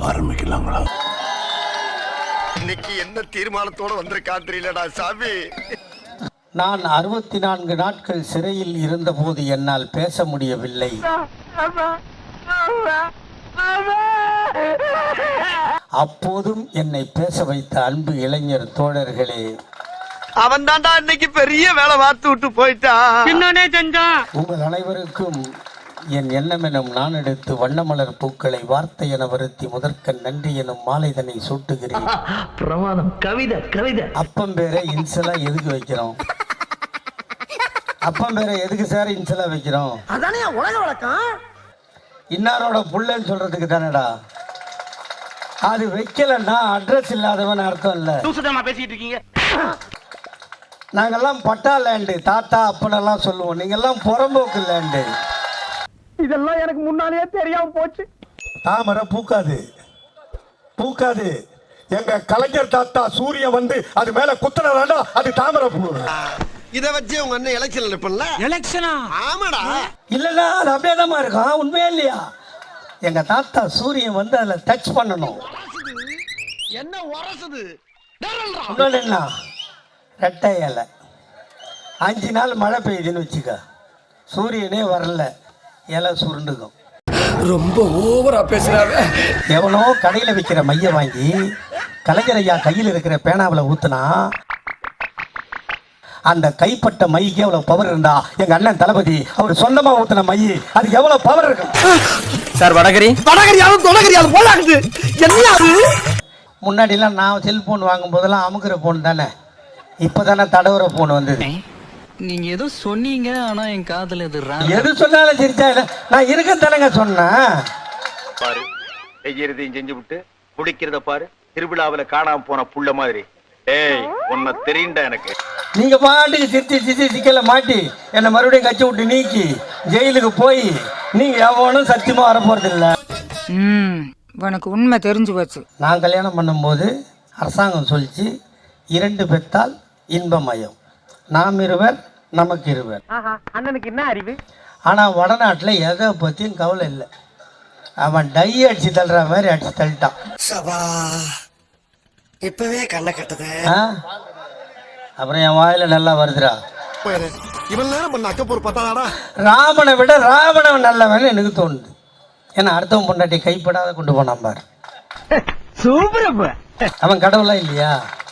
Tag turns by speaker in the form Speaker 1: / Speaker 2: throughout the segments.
Speaker 1: ஆரம்பிக்கலாங்களா?
Speaker 2: இன்னைக்கு என்ன தீர்மானத்தோட வந்திருக்கான் தெரியலடா சாமி.
Speaker 3: நான் 64 நாட்கள் சிறையில் இருந்தபோது என்னால் பேச முடியவில்லை. அப்போதும் என்னை பேச வைத்த அன்பு இளைஞர் தோழர்களே,
Speaker 2: அவன் தான்டா இன்னைக்கு பெரிய வேலை பார்த்து விட்டு போயிட்டான்.
Speaker 3: உங்கள் அனைவருக்கும் என் எண்ணம் எனும் நான் எடுத்து வண்ணமலர் பூக்களை வார்த்தை என வருத்தி முதற்கண் நன்றி எனும் மாலைதனை சூட்டுகிறேன்.
Speaker 4: பிரமாதம். கவிதை கவிதை.
Speaker 3: அப்பம் பேரை இன்சலா எதுக்கு வைக்கிறோம்? அப்பம் பேரை எதுக்கு சார் இன்சலா வைக்கிறோம்?
Speaker 4: அதானே உலக வழக்கம்.
Speaker 3: இன்னாரோட புள்ளன்னு சொல்றதுக்கு தானடா. அது வைக்கலன்னா அட்ரஸ் இல்லாதவன் அர்த்தம் இல்ல.
Speaker 4: பேசிட்டு இருக்கீங்க.
Speaker 3: நாங்கெல்லாம் பட்டா லேண்டு, தாத்தா அப்பனெல்லாம் சொல்லுவோம். நீங்கெல்லாம் புறம்போக்கு லேண்டு.
Speaker 4: இதெல்லாம் எனக்கு முன்னாலேயே தெரியாம போச்சு.
Speaker 3: தாமரை பூக்காது, பூக்காது. எங்க கலைஞர் தாத்தா சூரியன் வந்து அது மேல குத்துனதாண்டா அது தாமரை பூ.
Speaker 2: இத வச்சு உங்க அண்ணன் எலெக்ஷன் நிப்பல்ல?
Speaker 4: எலெக்ஷனா?
Speaker 2: ஆமாடா.
Speaker 3: இல்லடா, அது அப்படியே தான் இருக்கும். உண்மையா இல்லையா? எங்க தாத்தா சூரியன் வந்து அதுல டச் பண்ணணும்.
Speaker 2: என்ன உரசுது?
Speaker 3: இன்னொன்னு என்ன, ரெட்டை இலை. 5 நாள் மழை பெய்யுதுன்னு வச்சுக்க, சூரியனே வரல, இலை சுருண்டுக்கும்.
Speaker 1: ரொம்ப ஓவரா பேசுறாங்க.
Speaker 3: எவனோ கடையில் விற்கிற மைய வாங்கி கலைஞர் ஐயா கையில் இருக்கிற பேனாவில் ஊத்துனா அந்த கைப்பட்ட மைக்கு எவ்வளவு பவர் இருந்தா, எங்க அண்ணன் தளபதி அவர் சொந்தமா ஊத்துன மை அது எவ்வளவு பவர் இருக்கும்
Speaker 4: சார்? வடகரி போலாகுது.
Speaker 3: முன்னாடி எல்லாம் நான் செல்போன் வாங்கும் போதெல்லாம் அமுக்குற போன் தானே, இப்பதானே தடவுற போன் வந்தது.
Speaker 5: நீங்க ஏதோ சொன்னீங்க, ஆனா என் காதுல
Speaker 3: எது சொன்னாலும் சிரிச்சா இல்ல, நான் இருக்க தானங்க சொன்னேன்.
Speaker 6: பாரு, செய்யறதையும் செஞ்சு விட்டு குடிக்கிறத பாரு, திருவிழாவில காணாம போன புள்ள மாதிரி. ஏய், உன்னை தெரியுண்டா எனக்கு.
Speaker 3: நீங்க பாட்டுக்கு சிரிச்சு சிக்கல மாட்டி என்னை மறுபடியும் கட்சி விட்டு நீக்கி ஜெயிலுக்கு போய் நீங்க எவனும் சத்தியமா வர போறது இல்ல.
Speaker 7: உனக்கு உண்மை தெரிஞ்சு போச்சு.
Speaker 3: நான் கல்யாணம் பண்ணும்போது அரசாங்கம் சொல்லிச்சு, 2 பெத்தால் இன்பமயம், நாம் இருவர் நமக்கு இருவர்.
Speaker 4: அண்ணனுக்கு என்ன அறிவு?
Speaker 3: ஆனா வடநாட்டுல எதை பத்தியும் கவலை இல்லை. அவன் டை அடிச்சு தள்ளுற மாதிரி அடிச்சு தள்ளிட்டான்.
Speaker 4: இப்பவே கண்ணை கட்டுது.
Speaker 3: அப்புறம் என் வாயில நல்லா வருதுடா.
Speaker 2: இவன் நேரம் பண்ண அக்கப்பூர் பத்தாடா.
Speaker 3: ராமனை விட ராவணன் நல்லவன் எனக்கு தோணுது. ஏன்னா அடுத்தவன் பொண்டாட்டி கைப்படாத கொண்டு போனான் பாரு. அவன் கடவுளா இல்லையா?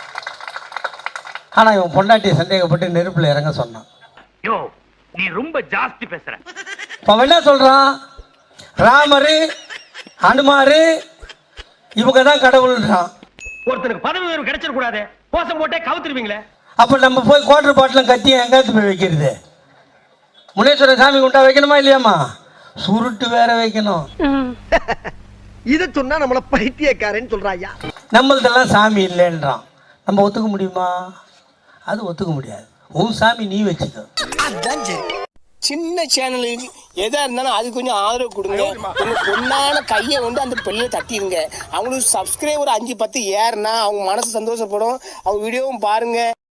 Speaker 3: ஆனா இவன் பொண்டாட்டியை சந்தேகப்பட்டு நெருப்புல இறங்க சொன்னான்.
Speaker 6: யோ, நீ ரொம்ப ஜாஸ்தி பேசுற.
Speaker 3: அவன் என்ன சொல்றான்? ராமரு அனுமாரு இவங்க தான் கடவுள்ன்றான்.
Speaker 6: ஒருத்தனுக்கு பதவி உயர்வு கிடைச்சிட கூடாது, கோசம் போட்டே கவுத்துருவீங்களே.
Speaker 3: அப்ப நம்ம போய் குவார்டர் பாட்டிலும் கத்தியும் எங்காத்து போய் வைக்கிறது? முனேஸ்வர சாமி குண்டா வைக்கணுமா இல்லையாமா? சுருட்டு வேற வைக்கணும்.
Speaker 2: இத சொன்னா நம்மள பைத்தியக்காரன்னு சொல்றாயா.
Speaker 3: நம்மள்தெல்லாம் சாமி இல்லைன்றான். நம்ம ஒத்துக்க முடியுமா? அது ஒத்துக்க முடியாது. உன் சாமி நீ வச்சுக்க.
Speaker 8: சின்ன சேனலுக்கு எதா இருந்தாலும் அது கொஞ்சம் ஆதரவு கொடுங்க. உங்க பொண்ணான கையை வந்து அந்த பெல்ல தட்டிடுங்க. அவங்களுக்கு சப்ஸ்கிரைபர் 5-10 ஏறுனா அவங்க மனசு சந்தோஷப்படும். அவங்க வீடியோவும் பாருங்க.